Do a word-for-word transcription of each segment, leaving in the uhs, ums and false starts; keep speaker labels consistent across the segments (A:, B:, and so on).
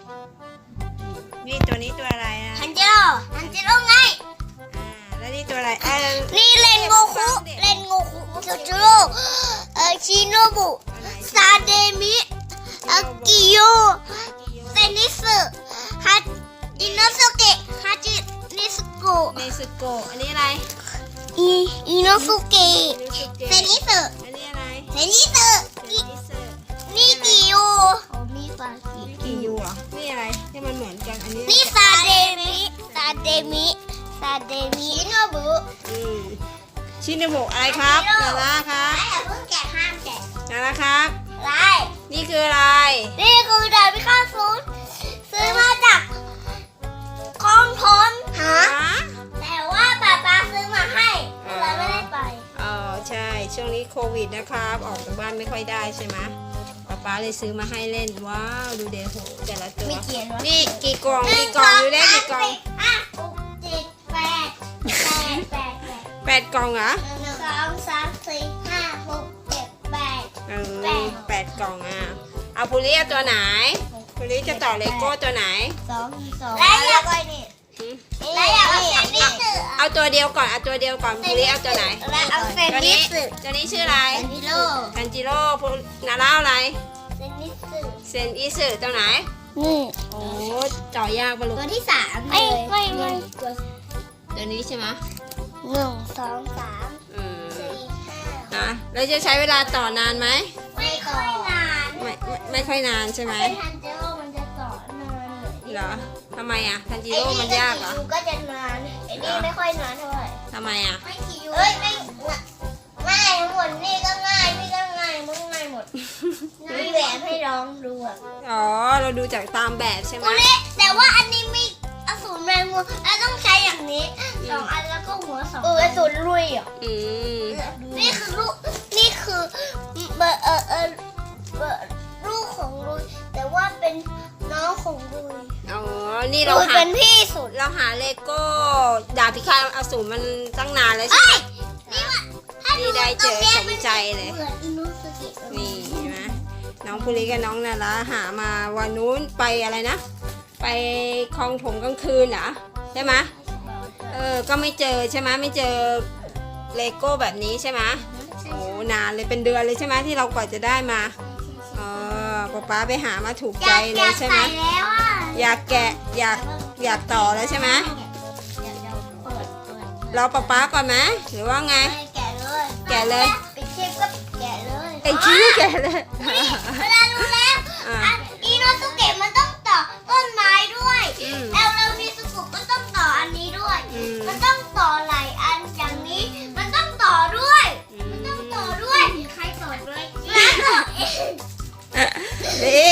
A: นี่ตัวนี้ตัวอะไรอ่ะ
B: ทันจิโร่ทันจิโร่ไง
A: อ่าแล้วนี่ตัวอะไรเออ
B: นี่เลนโงคุเลนโงคุทันจิโร่เอ่อชิโนบุซาเดมิอากิโยเซนิสึฮัตอิโนสุเกะฮัจินิสโกะ
A: เนซึโกะอันนี้อะไร
B: อีอิโนสุเกะ
A: นิซึเกะ
B: เซนิสึ
A: อันนี้อะไร
B: เซนิสึ
A: เซนิสึ
B: นี่กิโยโอ้มีปากิ
A: กี่ยูอ่ะนี่อะไรที่มันเหมือนกันอันนี้
B: นี่ซาเดมิซาเดมิซาเดมิชิโนบุ
A: อืมชินโบะอะไรครับนาราครับ
B: อย่าเพิ่งแกะห้ามแกะ
A: นาราครับ
B: ไร
A: นี่คืออะไร
B: นี่คือดาบพิฆาตศูนย์ซื้อมาจากกองทนหา
A: ฮะ
B: แต่ว่าป้าป้าซื้อมาให้เราไม่ได้ไป
A: อ๋อใช่ช่วงนี้โควิดนะครับออกจากบ้านไม่ค่อยได้ใช่ไหมป๊าป๊าเลยซื้อมาให้เล่นว้าวดูเดโหแต่ละตัว
B: มีเขียนว่า
A: นี่กี่กล่องกี่กล่องดูได้กี่กล่อง
B: ห้าหกเจ็ดแปดแปดแปดแปด
A: แปดกล่องเหรอ
B: หนึ่งสองสามสี่ห้าหกเจ็ดแปด
A: เออแปดกล่องอ่ะเอาพูลิเอาตัวไหนพูลิจะต่อเลโก้ตัวไหน
B: สองสองแล้วอยากไปนี่แล้วอยากเอาเซนนิสึ
A: เอาตัวเดียวก่อนเอาตัวเดียวก่อนพูลิเอาตัวไหน
B: แล้วเอาเซน
A: ตัว
B: นิ
A: นี้
B: สึ
A: ตัวนี้ชื่ออะไร
B: เซนนิโร่
A: ทันจิโร่พูนาร่าอะไร
B: เซนนิสึ
A: เซนอิสึตัวไหน
B: นี่
A: โอ้จ่อยากปะลูก
B: ตัวที่สามไม่ไม่ไม่ตัว
A: ตัวนี้ใช่ไหม
B: หนึ่งสองสาม
A: อืม
B: สี่ห้า
A: นะแล้วจะใช้เวลาต่อนานไหม
B: ไม่ค่อยนาน
A: ไม่ไม่ไม่ค่อยนานใช่ไหม
B: เป็นทันเจโร่มันจะต่อนาน
A: เหรอทำไมอ่ะทันจิโร่มันยากเหรอ
B: ไอ้นี่ก็จะนานไอ้นี่ไม่ค่อยนานเท่าไหร่
A: ทำไมอ่ะ
B: ไม่คิวเอ้ยไม่ง่ายทั้งหมดนี่ก็ง่ายนี่ก็ง่ายมันก็ง่ายหมดมีแบบให้ลองดูอ่ะ
A: อ๋อเราดูจากตามแบบใช่ไหม
B: ตัวนี้แต่ว่าอันนี้มีอสูรแมงมุมแล้วต้องใช้อย่างนี้สองอันแล้วก็หัวสองเอออสูรลุยอ่ะ
A: อืม
B: นี่คือลูกนี่คือเบอร์เออเออเบอร์ลูกของลุยแต่ว่าเป็นน้องของลุย
A: อ๋อนี่เรา
B: ลุย
A: หา
B: เป็นพี่สุด
A: เราหาเลโก้ดาบพิฆาตอสูรมันตั้งนานแล้วใช่
B: เอ้
A: ไหม
B: ยนี่ว่าถ้า
A: นี่ได้เจอสมใจเลย
B: เหมือนอินุสกิ
A: นี่ใช่ไหมน้องภูริกับน้องนาราหามาวันนู้นไปอะไรนะ ไปคลองถมกลางคืนเหรอใช่ไหมเออก็ไม่เจอใช่ไหมไม่เจอเลโก้แบบนี้ใช่ไหมโอ้นานเลยเป็นเดือนเลยใช่ไหมที่เรากว่าจะได้มาเออป๊าป๊าไปหามาถูกใจเลยใช่ไหม
B: อยากแล้วอ่ะ
A: อยากแกะอยากอยากต่อแล้วใช่ไหม
B: อยากจะเปิดเปิด
A: รอป๊าป๊าก่อนไหมหรือว่าไง
B: ไม่แกะเลย
A: แกะเลย
B: ปิดคลิปก็แกะเลย
A: ไอ้ชี้แกะเลย
B: เวลารู้แล้ว
A: อ่ะ
B: อ่ะอินุสกิมันต้องต่อต้นไม้ด้วย
A: อืม
B: แล้วเรามีสุกุก็ต้องต่ออันนี้ด้วย
A: อืม
B: มันต้องต่อหลายอันอย่างนี้ มันต้องต่อด้วย
A: อื
B: มัน
A: ม
B: ต้องต่อด้วยใครต่อด้วยร้านต่อเอง
A: ดี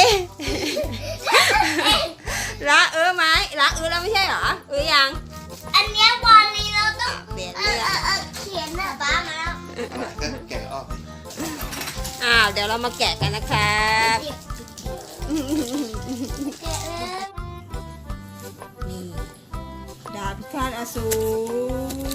A: ละเออไหมละเออแล้วไม่ใช่เหรอเออยัง
B: อันเนี้ยวันนี้เราต้อง
A: เปลี่ยน
B: เอ
A: เรื่
B: อ
A: อง
B: เออเออเขียนนะป้ามาแล้ว
C: แกะออก
A: อ้าวเดี๋ยวเรามาแกะกันนะครับ
B: แกะแล้ว
A: นี่ดาบพิฆาตอสูร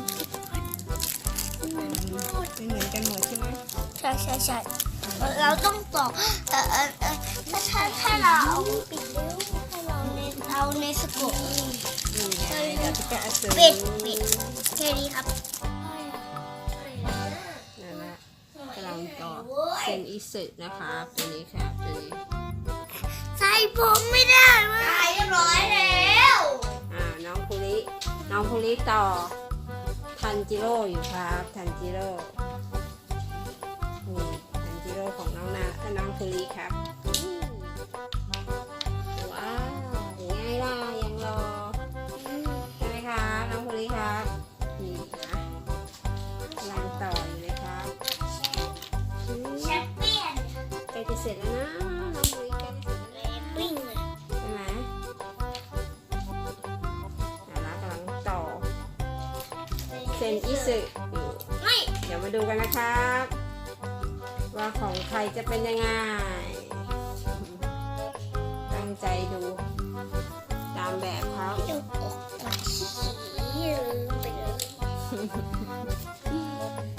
A: เป็นเหมือนกันหมดใช่ไหม
B: ใช่ใช่ใช่เราต้องต่อเออเออเออถ้าถ้าถ้าเราเอาปิดนิ้วให้เราเนเอาในสกุล
A: นี่ไงดาบพิฆาตอสูร
B: ปิดปิดแค่นี้ครับ
A: นั่นแหละกำลังต่อเซนอิสึนะครับตัวนี้ครับตัวนี้
B: ใส่ผมไม่ได้เว้ยใส่เรียบร้อยแล้ว
A: อ่าน้องภูริน้องภูริต่อทันจิโร่อยู่ครับทันจิโร่นี่ทันจิโร่ของน้องนาเอ่อน้องภูริครับอืมว้าวยังไงล่ะยังรอใช่ไหมครับน้องภูริครับนี่นะกำลังต่ออยู่เลยครับอืม
B: แชมเปี้ยน
A: ใกล้จะเสร็จแล้วนะน้องภูริใกล้จะเสร็จแล้ว
B: วิ่งเลย
A: ใช่ไหมอ่าแล้วกำลังต่อเซนอิสึอยู่
B: ไม่
A: เดี๋ยวมาดูกันนะครับ ว่าของใครจะเป็นยังไง ตั้งใจดูตามแบบเขา
B: ดูอกปวดขี้ลืมไปเลย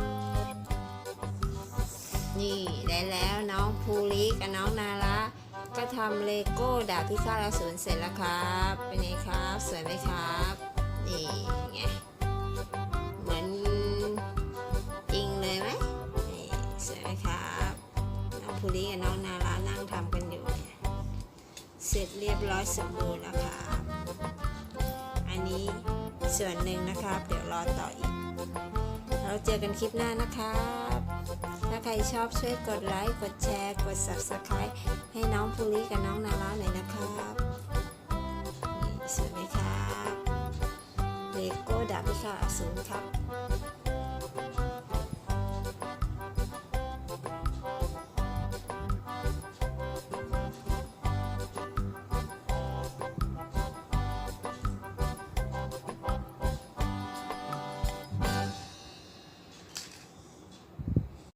A: นี่ได้แล้วน้องภูริกับน้องนาราก็ทำเลโก้ดาบพิฆาตอสูรเสร็จแล้วครับเป็นไงครับสวยไหมครับนี่ไงเหมือนจริงเลยไหมนี่สวยไหมครับน้องภูริกับน้องนารานั่งทำกันอยู่เนี่ยเสร็จเรียบร้อยสมบูรณ์แล้วครับอันนี้ส่วนหนึ่งนะครับเดี๋ยวรอต่ออีกเราเจอกันคลิปหน้านะครับถ้าใครชอบช่วยกดไลค์กดแชร์กด ซับสไครบ์ ให้น้องภูริกับน้องนาราหน่อยนะครับนี่สวยไหมครับเลโก้ดาบพิฆาตอสูรครับ